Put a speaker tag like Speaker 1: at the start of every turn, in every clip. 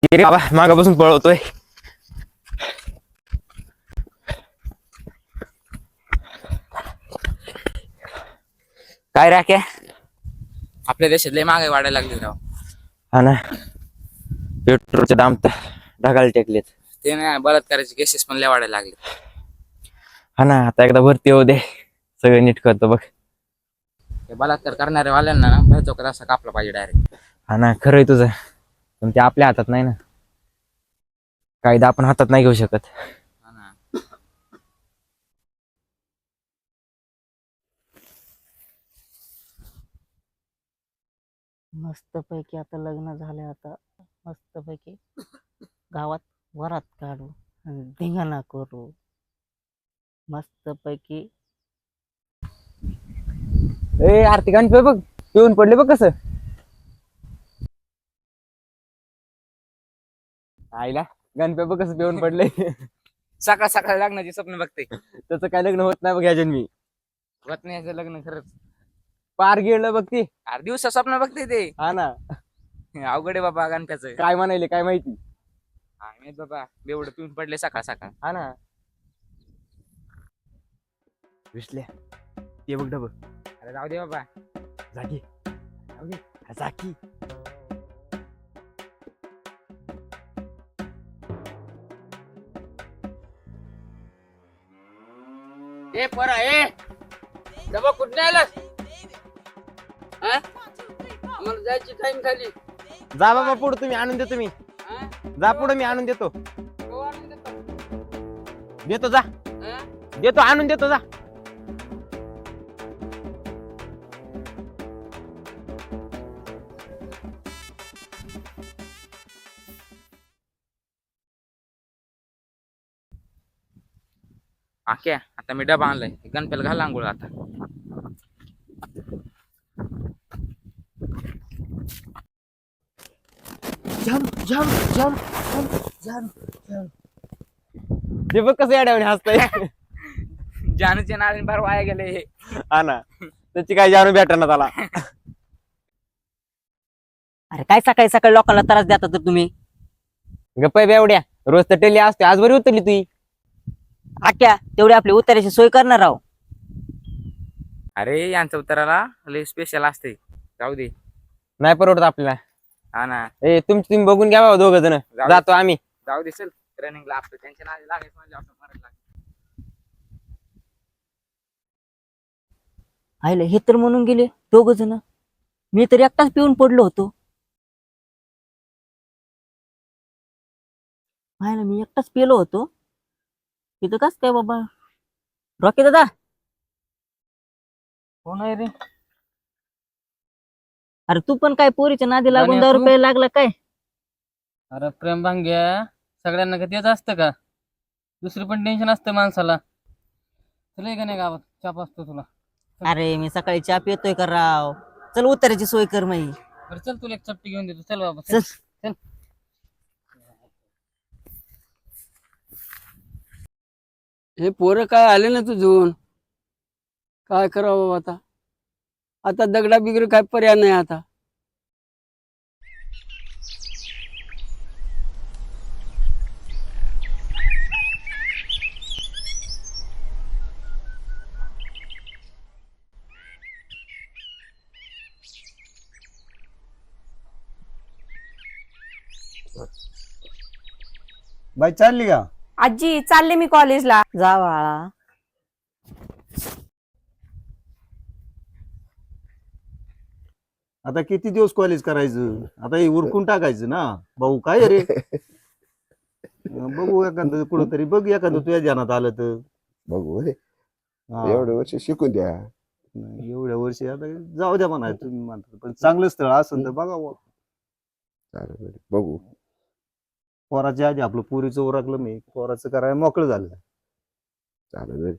Speaker 1: रे बाबा मागापासून पळवतोय. काय राख्या
Speaker 2: आपल्या देशात लय महागाई वाढायला लागली राव.
Speaker 1: हा ना, पेट्रोलचे दाम तर ढगाला टेकलेत.
Speaker 2: ते नाही बलात्काराचे केसेस पण लय वाढायला लागले.
Speaker 1: हा ना, आता एकदा भरती होऊ दे, सगळं नीट करतो बघ.
Speaker 2: ते बलात्कार करणाऱ्या वाल्यांना ना भर चौकात असा कापला पाहिजे डायरेक्ट.
Speaker 1: हा ना, खरंय तुझं, पण ते आपल्या हातात नाही ना, कायदा आपण हातात नाही घेऊ शकत.
Speaker 2: हा ना.
Speaker 3: मस्त पैकी आता लग्न झाले. आता मस्त पैकी गावात वरात काढू आणि धिंगाणा करू. मस्त पैकी
Speaker 1: ए आरती गाणं बघ, पिऊन पडले बघ कसं. आईला गणपे बघ कसं पिऊन पडले.
Speaker 2: सकाळ सकाळ लग्नाची स्वप्न बघते.
Speaker 1: त्याचं काय लग्न होत नाही बघ ह्या जन्मी.
Speaker 2: होत नाही याचं लग्न खरंच.
Speaker 1: पार गेलं बघ ती.
Speaker 2: 8 दिवसा स्वप्न बघते ते.
Speaker 1: हा ना,
Speaker 2: अवघड आहे बाबा गणप्याचं.
Speaker 1: काय म्हणायले काय माहिती.
Speaker 2: माहित बाबा एवढं पिऊन पडले सकाळ सकाळ.
Speaker 1: हा ना, विसल्या ते बघ डबं.
Speaker 2: अरे जाऊ दे बाबा.
Speaker 1: जागी जागी.
Speaker 2: ए पोरा ए डबा कुठे आलास? आम्हाला जायची टाइम झाली.
Speaker 1: जा बाबा पुढे, तुम्ही आणून देतो मी. जा पुढे, मी आणून देतो. देतो जा, देतो आणून देतो जा.
Speaker 2: आख्या आता मी डबा आणलाय, गणप्याला घाल आंघोळ आता.
Speaker 1: ते बघ कसं येड्यावानी हसतंय.
Speaker 2: जानूचे नाळे फार वाया गेले हे.
Speaker 1: हा ना, त्याची काय जाणू भेटणार त्याला.
Speaker 3: अरे काय सकाळी सकाळी लोकांना त्रास देता तर तुम्ही.
Speaker 1: गप्पा बेवड्या, रोज तर टेली असते, आज बरी उतरली तुही.
Speaker 3: आख्या तेवढी आपली उताराची सोय करणार आहो.
Speaker 2: अरे यांच्या उत्तराला लय स्पेशल असते. जाऊ दे.
Speaker 1: नाही परवडत आपल्याला.
Speaker 2: हा ना,
Speaker 1: ए तुम्ही बघून घ्या बाबा, दोघ जण जातो आम्ही.
Speaker 2: जाऊ दे चल. रनिंगला आपलं त्यांच्या नादी लागायचं म्हणजे आपण मरायला लागेल.
Speaker 3: आईला हे तर म्हणून गेले दोघ जण. मी तर एकटाच पिऊन पडलो होतो. आईला मी एकटाच पेलो होतो तिथं. कस काय बाबा रॉकी दादा?
Speaker 4: कोण आहे रे?
Speaker 3: अरे तू पण काय पोरीच्या नादी लागून
Speaker 4: गाण्या
Speaker 3: 10
Speaker 4: तू?
Speaker 3: रुपये लागला काय?
Speaker 4: अरे प्रेम भांग्या, सगळ्यांना का तेच असतं का? दुसरी पण टेन्शन असतं माणसाला. चल का नाही गावात चाप असतो तुला.
Speaker 3: अरे मी सकाळी चहा पितोय का राव? चल उताराची सोय कर माई.
Speaker 4: बरं चल तुला एक चपटी घेऊन देतो. चल बाबा
Speaker 3: चल.
Speaker 4: चल.
Speaker 5: हे पोरं काय आले ना तुझून, काय करावं आता? आता दगडा बिगड काय पर्याय नाही आता.
Speaker 6: बाई चालली का?
Speaker 7: आजी चालले मी कॉलेजला.
Speaker 3: जा बाळा.
Speaker 6: आता किती दिवस कॉलेज करायचं? आता हे उरकून टाकायचं ना भाऊ. काय रे बघू एखादं कुठंतरी बघ, एखादं तुझ्या ध्यानात आलं तर
Speaker 8: बघू रे,
Speaker 6: हा.
Speaker 8: एवढे वर्ष शिकून द्या.
Speaker 6: नाही, एवढ्या वर्षी आता जाऊ द्या म्हणा तुम्ही म्हणता, पण चांगलं स्थळ असेल तर बघा बुवा.
Speaker 8: चालेल बघू.
Speaker 6: पोराच्या आधी आपलं पुरीचं उरकलं, मी पोराचं करायला मोकळं झालं.
Speaker 8: चालेल.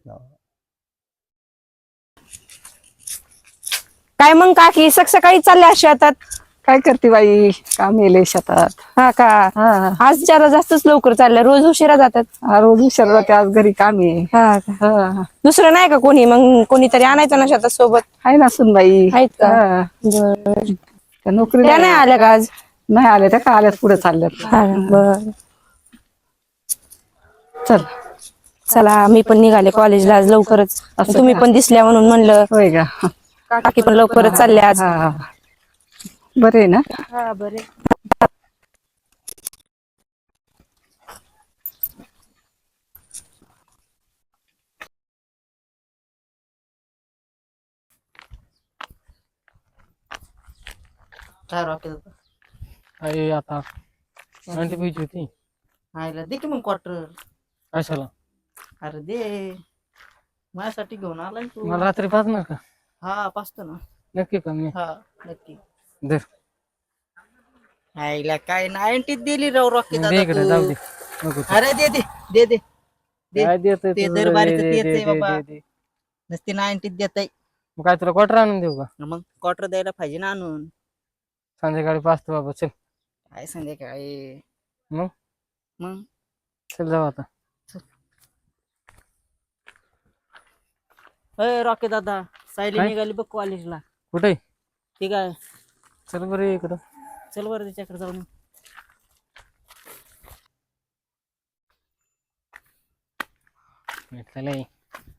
Speaker 7: काय मग काकी सकाळी चालल्या शेतात?
Speaker 9: काय करते बाई, काम येले शेतात.
Speaker 7: हा का?
Speaker 9: हा
Speaker 7: आज जरा जास्तच लवकर चालल्या, रोज उशिरा जातात.
Speaker 9: हा, रोज उशीर जाते, आज घरी काम आहे.
Speaker 7: हा का?
Speaker 9: हा,
Speaker 7: दुसरं नाही का कोणी? मग कोणीतरी आणायचं ना शेतात सोबत.
Speaker 9: आहे ना सुनबाई.
Speaker 7: आहेत का?
Speaker 9: हा,
Speaker 7: बरं.
Speaker 9: त्या नोकरी
Speaker 7: त्या नाही आल्या का आज?
Speaker 9: नाही आले त्या का आल्यात पुढे चालल्यात.
Speaker 7: हा बर
Speaker 9: चल.
Speaker 7: चला मी पण निघाले कॉलेजला आज लवकरच.
Speaker 9: असं
Speaker 7: तुम्ही
Speaker 9: का?
Speaker 7: पण दिसल्या म्हणून म्हणलं.
Speaker 9: होय का?
Speaker 7: काकी पण लवकरच चालले आज.
Speaker 9: हा बरे ना.
Speaker 7: हा बरे.
Speaker 3: काय रॉकेल
Speaker 4: अरे आता आणखी पाहिजे होती
Speaker 3: आयला दे की मग क्वार्टर.
Speaker 4: कशाला?
Speaker 3: अरे दे माझ्यासाठी घेऊन आलाय तू.
Speaker 4: मला रात्री पाजणार का?
Speaker 3: हा पाचतो ना.
Speaker 4: नक्की का? मी
Speaker 3: हा नक्की.
Speaker 4: दर
Speaker 3: आईला काय 90 दिली राव रॉकेल
Speaker 4: दे इकडे, जाऊ दे. नको ते.
Speaker 3: अरे दे दे दे दे दे.
Speaker 4: काय देतोय
Speaker 3: ते
Speaker 4: तू?
Speaker 3: दरबारीचं
Speaker 4: दे,
Speaker 3: तेच
Speaker 4: दे,
Speaker 3: आहे
Speaker 4: दे,
Speaker 3: बाबा.
Speaker 4: दे, दे.
Speaker 3: नसते 90 देत आहे.
Speaker 4: मग काय तुला क्वार्टर आणून देऊ का?
Speaker 3: मग क्वार्टर द्यायला पाहिजे ना आणून.
Speaker 4: संध्याकाळी पाचतो बाबा. चल
Speaker 3: काय संध्याकाळी
Speaker 4: मग?
Speaker 3: मग
Speaker 4: चल जाऊ आता.
Speaker 3: अय रॉकेल दादा सायली
Speaker 4: काय?
Speaker 3: निघाली बघ कॉलेजला.
Speaker 4: कुठे?
Speaker 3: ठीक आहे
Speaker 4: चल बरं इकडं.
Speaker 3: चल बरं त्याच्याकडे जाऊन.
Speaker 4: चल ये.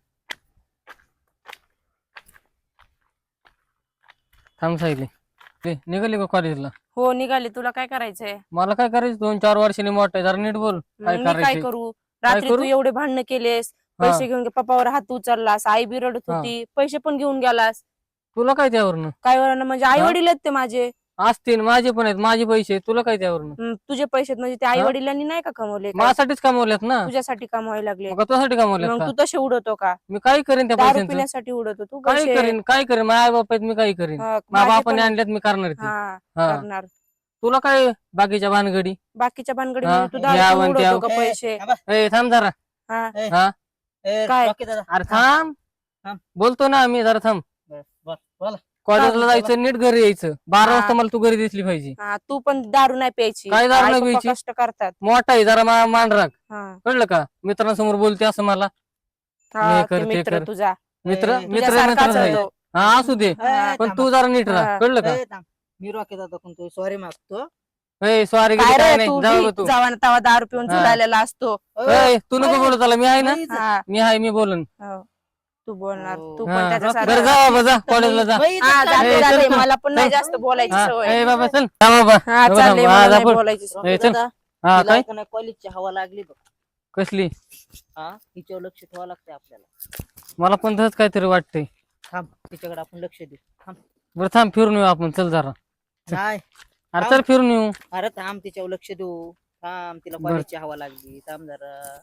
Speaker 4: थांब सायली. ते निघाली का कॉलेजला?
Speaker 7: हो निघाले. तुला काय करायचंय?
Speaker 4: मला काय करायचं? 2-4 वर्षांनी मोठं आहे. जरा नीट बोल. काय
Speaker 7: मी काय
Speaker 4: करायचं?
Speaker 7: करू?
Speaker 4: काय
Speaker 7: रात्री तू
Speaker 4: करू?
Speaker 7: एवढे भांडणं केलेस.
Speaker 4: हा.
Speaker 7: पैसे घेऊन पप्पावर हात उचललास. आई बी रडत
Speaker 4: हा.
Speaker 7: होती. पैसे पण घेऊन गेलास.
Speaker 4: तुला काय त्यावरनं?
Speaker 7: काय वरनं म्हणजे आई
Speaker 4: हा?
Speaker 7: वडील आहेत ते माझे.
Speaker 4: असतील, माझे पण आहेत, माझे पैसे आहेत. तुला काय त्यावरनं?
Speaker 7: तुझे पैसे आहेत म्हणजे ते आई वडिलांनी नाही का कमवले? काय?
Speaker 4: माझ्यासाठीच कमवल्यात ना.
Speaker 7: तुझ्यासाठी कमवायला लागले.
Speaker 4: मग तुझ्यासाठी कमवल्यात
Speaker 7: मग
Speaker 4: का?
Speaker 7: तू तसे उडवतो का?
Speaker 4: मी काय करेन त्या
Speaker 7: दारू
Speaker 4: पैशांचं?
Speaker 7: पिण्यासाठी उडवतो तू
Speaker 4: काय
Speaker 7: पैसे?
Speaker 4: करेन? काय करेन? माझ्या आई बाप आहेत, मी काय करेन?
Speaker 7: हा,
Speaker 4: माझ्या
Speaker 7: माझे
Speaker 4: बापाने
Speaker 7: पण-
Speaker 4: आणल्यात, मी करणार ते.
Speaker 7: हा
Speaker 4: हा.
Speaker 7: करणार.
Speaker 4: तुला काय बाकीच्या भानगडी?
Speaker 7: बाकीच्या भानगडी
Speaker 4: हा,
Speaker 7: म्हणजे तू
Speaker 4: या
Speaker 7: दारू
Speaker 4: वन
Speaker 7: पिऊन
Speaker 4: त्या-
Speaker 7: उडवतो का पैसे?
Speaker 4: ए थांब जरा.
Speaker 7: हा
Speaker 4: हा
Speaker 7: काय?
Speaker 3: रॉकेल दादा
Speaker 4: अरे थांब.
Speaker 3: थांब.
Speaker 4: बोलतो ना मी, जरा थांब.
Speaker 3: बस बोला.
Speaker 4: कॉलेजला जायचं, नीट घरी यायचं. 12
Speaker 7: हा.
Speaker 4: वाजता मला तू घरी दिसली पाहिजे.
Speaker 7: हा तू पण दारू नाही प्यायची.
Speaker 4: काय दारू
Speaker 7: आई
Speaker 4: नाही
Speaker 7: पप्पा
Speaker 4: प्यायची?
Speaker 7: कष्ट करतात.
Speaker 4: मोठा आहे जरा, मान राख.
Speaker 7: हा
Speaker 4: कळलं का? मित्रांसमोर बोलते असं मला.
Speaker 7: हा,
Speaker 4: हे कर,
Speaker 7: ते
Speaker 4: ते
Speaker 7: मित्र
Speaker 4: कर.
Speaker 7: तुझा
Speaker 4: मित्र
Speaker 3: ए,
Speaker 4: मित्र
Speaker 7: तुझ्यासारखाच
Speaker 4: मित्र आहे.
Speaker 7: होतो.
Speaker 4: हा असू दे,
Speaker 3: ए,
Speaker 4: पण
Speaker 3: थांबा.
Speaker 4: तू जरा नीट राहा.
Speaker 7: हा.
Speaker 4: कळलं का?
Speaker 3: ए, थांब. मी रॉकेल दादा कोणतो सॉरी मागतो.
Speaker 4: ए सॉरी
Speaker 7: काय
Speaker 4: काय
Speaker 7: रे
Speaker 4: नाही,
Speaker 7: तू
Speaker 4: जाऊ गं तू.
Speaker 7: जावा तवा दारू पिऊन
Speaker 4: हा.
Speaker 7: झुलायला असतो.
Speaker 4: ए, तू नको बोलत आला, मी आहे ना.
Speaker 7: हा
Speaker 4: मी आहे, मी बोलन.
Speaker 7: हो. तू बोलणार.
Speaker 3: हो.
Speaker 7: तू
Speaker 4: हा.
Speaker 7: पण
Speaker 4: बरं
Speaker 7: त्याच्यासारखा.
Speaker 4: जा बाबा, जा कॉलेजला जा.
Speaker 7: हा जाते
Speaker 4: ए,
Speaker 7: जाते.
Speaker 4: चल,
Speaker 7: मला पण नाही
Speaker 4: चल.
Speaker 7: जास्त बोलायची
Speaker 4: हा,
Speaker 7: सवय.
Speaker 4: ए बाबा चल. जा बाबा.
Speaker 7: हा
Speaker 4: बघा,
Speaker 7: चालले
Speaker 4: हा,
Speaker 7: मला
Speaker 4: जा
Speaker 7: नाही
Speaker 4: पुढं.
Speaker 7: बोलायची सवय.
Speaker 4: ए, चल. हा काय?
Speaker 3: कॉलेजची हवा लागली बघ.
Speaker 4: कसली?
Speaker 3: हा तिच्यावर लक्ष ठेवावं लागतंय आपल्याला.
Speaker 4: मला पण तसंच काहीतरी वाटतंय.
Speaker 3: थांब तिच्याकडे आपण लक्ष देऊ. थांब.
Speaker 4: बरं थांब, फिरून येऊ आपण. चल जरा.
Speaker 3: नाही
Speaker 4: अरे चल फिरून येऊ.
Speaker 3: अरे थांब तिच्यावर लक्ष देऊ. थांब तिला
Speaker 4: बरं.
Speaker 3: कॉलेजची हवा लागली. थांब जरा.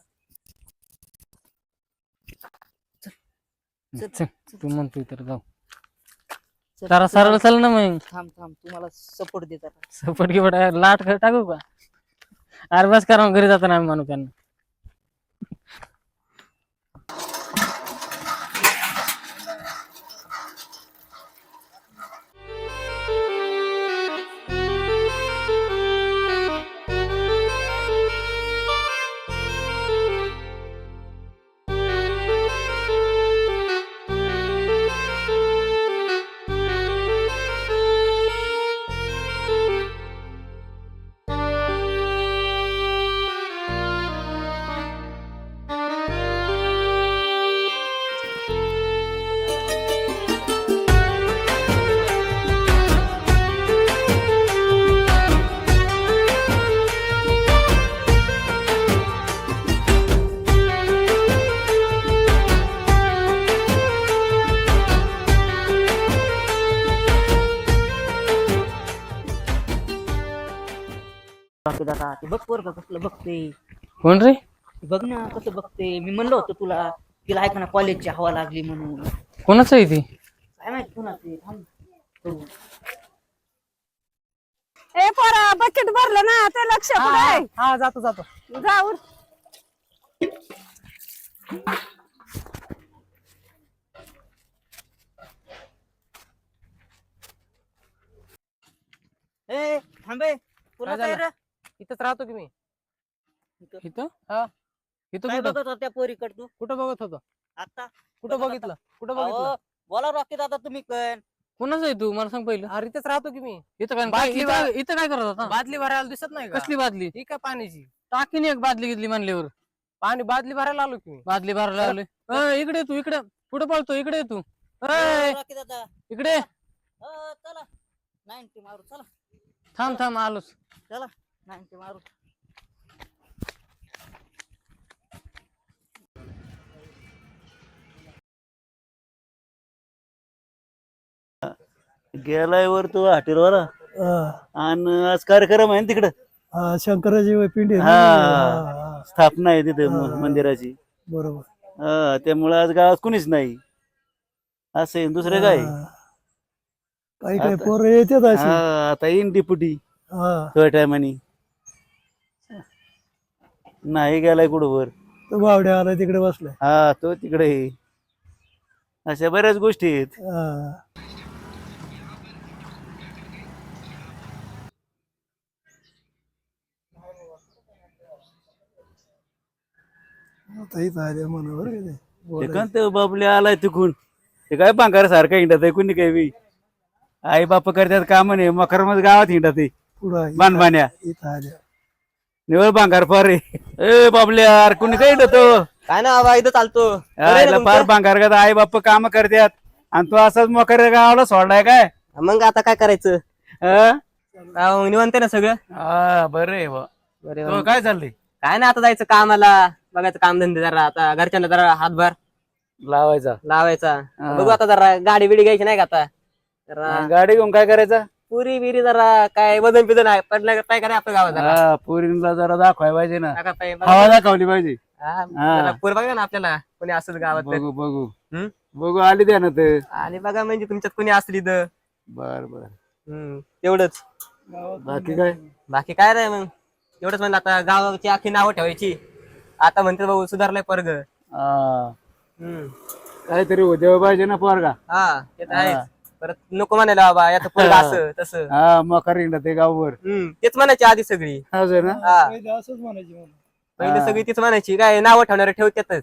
Speaker 4: चल तू म्हणतोय तर जाऊ.
Speaker 3: चल,
Speaker 4: जरा सरळ
Speaker 3: तुम्हाला-
Speaker 4: चल ना मग.
Speaker 3: थांब थांब तुम्हाला सपोर्ट देतात.
Speaker 4: सपट की बडा लाट खेळ टाकू का? अरे बस करा, घरी जाताना आम्ही मानू त्यांना.
Speaker 3: बाकी दादा ते बघ पोरगं कसलं बघते.
Speaker 4: कोण रे?
Speaker 3: ते बघ ना कसं बघते. मी म्हणलं होतं तुला तिला ऐका ना कॉलेजची हवा लागली म्हणून.
Speaker 4: कोणाचं आहे ती?
Speaker 3: काय माहिती कोणाचे. थांब बघू.
Speaker 7: ए पोरा बकेट भरलं ना ते लक्ष कुठे आहे?
Speaker 3: हा जातो जातो.
Speaker 7: जाऊन
Speaker 3: ए थांबे पुन्हा
Speaker 4: काय
Speaker 3: काय
Speaker 4: झालं?
Speaker 3: रे?
Speaker 4: इथंच राहतो की मी. इथं? हा इथं
Speaker 3: काय
Speaker 4: कुठं?
Speaker 3: बघत होत्या पोरीकडे तू
Speaker 4: कुठं बघत होतो?
Speaker 3: आता?
Speaker 4: कुठं
Speaker 3: बघत
Speaker 4: बघितलं? कुठं
Speaker 3: अहो,
Speaker 4: बघितलं?
Speaker 3: बोला रॉकी दादा तुम्ही पण
Speaker 4: कोणाचं आहे तू मला सांग पहिलं.
Speaker 10: अरे इथेच राहतो की मी.
Speaker 4: इथं काय
Speaker 10: बादली
Speaker 4: इथं काय करत होता?
Speaker 10: बादली भरायला दिसत नाही का?
Speaker 4: कसली बादली?
Speaker 10: ही काय पाण्याची?
Speaker 4: टाकीन एक बादली घेतली म्हणल्यावर.
Speaker 10: पाणी बादली भरायला आलो की मी.
Speaker 4: बादली भरायला आलोय. इकडे तू इकडे पुढे पळतो इकडे तू. इकडे
Speaker 3: चला 90 मारू चला
Speaker 4: थांब आलोच.
Speaker 3: 90 मारू.
Speaker 6: गेलाय वर तो हॉटेलवाला आणि आज कार्यक्रम आहे ना तिकडं.
Speaker 5: शंकराची पिंडी
Speaker 6: हा स्थापना आहे तिथे मंदिराची.
Speaker 5: बरोबर.
Speaker 6: त्यामुळे आज गावात कुणीच नाही. असं आहे, दुसरं काय.
Speaker 5: काही
Speaker 6: काही
Speaker 5: पोरं येतात
Speaker 6: आता येईन डिपुटी थोड्या टायमानी. नाही गेलाय कुठं वर.
Speaker 5: तो बावड्या आला तिकडे बसलाय.
Speaker 6: हा तो तिकडे आहे. अशा बऱ्याच गोष्टी आहेत. एकांत बाबले आलाय तिकून. ते काय भांगार सारखा हिंडत आहे कुणी काही बी. आई बाप करतात काम नाही मकर मध्ये गावात हिंडत आहे बाणबाण्या. निवळ भांगार फार ए बाबल्या कुणी काही हिंडतो
Speaker 10: काय ना बाबा इथं चालतो.
Speaker 6: फार भांगार करतात. आई बाप काम करतात आणि तो असाच मकर गावाला सोडलाय काय.
Speaker 10: मग आता काय करायचं? निवांत ना सगळं.
Speaker 6: हा बरं आहे बा. तो काय चाललंय?
Speaker 10: काय ना आता जायचं कामाला बघायचं काम धंदे जरा आता घरच्यांना जरा हातभार लावायचा. बघू आता जरा गाडी बिडी घ्यायची नाही का आता जरा
Speaker 6: गाडी घेऊन काय करायचं?
Speaker 10: पुरी बिरी जरा काय वजन बिजन आहे पडलं काय करायचं आपल्या गावात जरा.
Speaker 6: पोरींना जरा दाखवाय पाहिजे ना.
Speaker 10: टाका पाहिजे.
Speaker 6: हवा दाखवली पाहिजे.
Speaker 10: जरा पोर बघा ना आपल्याला कोणी असं गावात तर.
Speaker 6: बघू आली द्या ना ते.
Speaker 10: आणि बघा म्हणजे तुमच्यात कोणी असली तर.
Speaker 6: बर बर.
Speaker 10: तेवढंच.
Speaker 6: बाकी
Speaker 10: काय नाही मग एवढंच म्हणलं आता गावाची आखी नावं ठेवायची. आता म्हणते भाऊ सुधारलाय पोरग.
Speaker 6: काहीतरी उद्या पाहिजे ना पोरगा.
Speaker 10: हा ते तर आहेच. परत नको म्हणायला बाबा याचं पोरग असं तसं.
Speaker 6: हा मकर हिंडत ते गाववर.
Speaker 10: तेच म्हणायची आधी सगळी.
Speaker 6: असं ना.
Speaker 5: असंच म्हणायची.
Speaker 10: पहिले सगळी तीच म्हणायची काय नावं ठेवणारे ठेवतातच.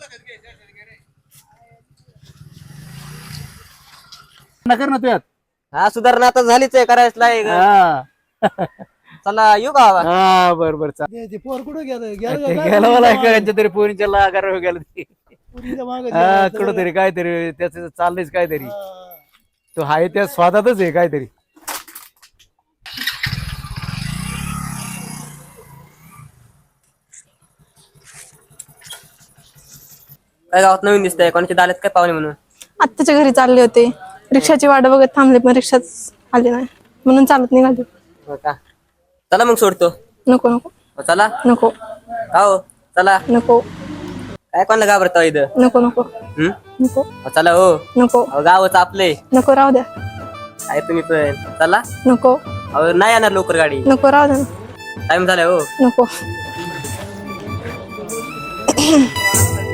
Speaker 6: कर ना तुझ्यात.
Speaker 10: हा सुधारणा आता झालीच आहे करायच लायक. चला येऊ का बाबा?
Speaker 6: हा बर बर चालेल.
Speaker 5: पोर कुठं
Speaker 6: गेला मला एखाद्या तरी पोरींच्या लागार गेलं ते. हा कुठं तरी काहीतरी त्याच चाललंयच काहीतरी. तो हाय त्या स्वादातच आहे काहीतरी.
Speaker 10: काय गावात नवीन दिसतंय कोणाची दालत काय पाहुणे म्हणून.
Speaker 7: आत्याच्या घरी चालले होते. रिक्षाची वाट बघत थांबले पण रिक्षाच आली नाही म्हणून चालत निघाले.
Speaker 10: हो का? चला मग सोडतो.
Speaker 7: नको नको
Speaker 10: चला
Speaker 7: नको
Speaker 10: हो चला.
Speaker 7: नको
Speaker 10: काय कोणाला घाबरतो इथं?
Speaker 7: नको नको नको
Speaker 10: चला हो.
Speaker 7: नको
Speaker 10: गावच आपले
Speaker 7: नको राहू द्या.
Speaker 10: आहे तुम्ही पण चला.
Speaker 7: नको
Speaker 10: नाही येणार लवकर गाडी.
Speaker 7: नको राहू द्या ना.
Speaker 10: टाइम झालाय हो.
Speaker 7: नको